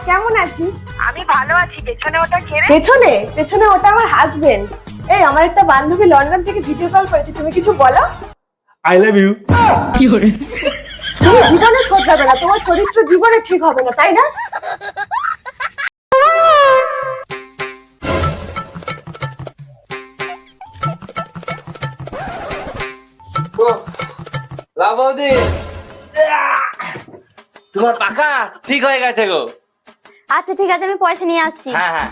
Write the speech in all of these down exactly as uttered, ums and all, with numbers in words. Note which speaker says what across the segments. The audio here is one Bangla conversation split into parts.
Speaker 1: কেমন আছিস?
Speaker 2: আমি ভালো আছি। পেছনে ওটা কে রে?
Speaker 1: পেছনে পেছনে ওটা আমার হাজবেন্ড। এই আমার একটা বান্ধবী লন্ডন থেকে ভিডিও কল করেছে, তুমি কিছু বলো।
Speaker 3: I love you.
Speaker 1: কি করে তুমি জীবনে শোধরাবে না, তোমার চরিত্র জীবনে ঠিক হবে না, তাই না?
Speaker 4: বৌদি, তোমার পাখা ঠিক হয়ে গেছে গো।
Speaker 5: আচ্ছা ঠিক আছে, আমি পয়সা নিয়ে আসছি।
Speaker 4: হ্যাঁ হ্যাঁ।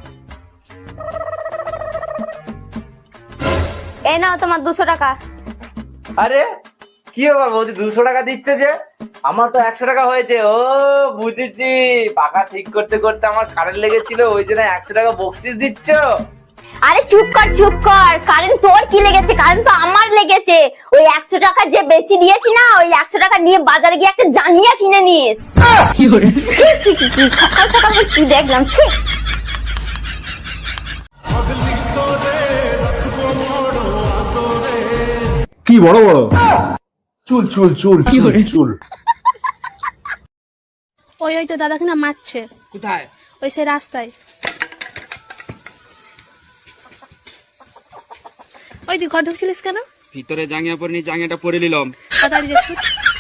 Speaker 5: এই নাও তোমার দুশো টাকা।
Speaker 4: আরে কি ব্যাপার বৌদি, দুশো টাকা দিচ্ছে যে? আমার তো একশো টাকা হয়েছে। ও বুঝেছি, পাখা ঠিক করতে করতে আমার কারেন্ট লেগেছিল, ওই জন্য একশো টাকা বকশিস দিচ্ছ।
Speaker 5: আরে চুপ কর চুপ কর, কারেন্ট তোর কি লেগেছে? কারেন্ট তো আমার লেগেছে। ওই একশো টাকা যে বেশি দিয়েছি না, ওই একশো টাকা নিয়ে বাজারে গিয়ে একটা জাঙ্গিয়া কিনে নিস। ছি ছি ছি ছি, সকাল সকাল আমি কি দেখলাম, ছি।
Speaker 3: কি বড় বড় চুল চুল চুল চুল চুল।
Speaker 6: ওই ওই তো দাদাকে না মারছে।
Speaker 4: কোথায়?
Speaker 6: ওই সে রাস্তায়। ওই তুই ঘর ঢুকছিলিস কেন?
Speaker 7: ভিতরে জাঙ্গিয়া পরে নি, জাঙ্গিয়াটা পরে নিলাম।
Speaker 6: তাড়াতাড়ি যাচ্ছি।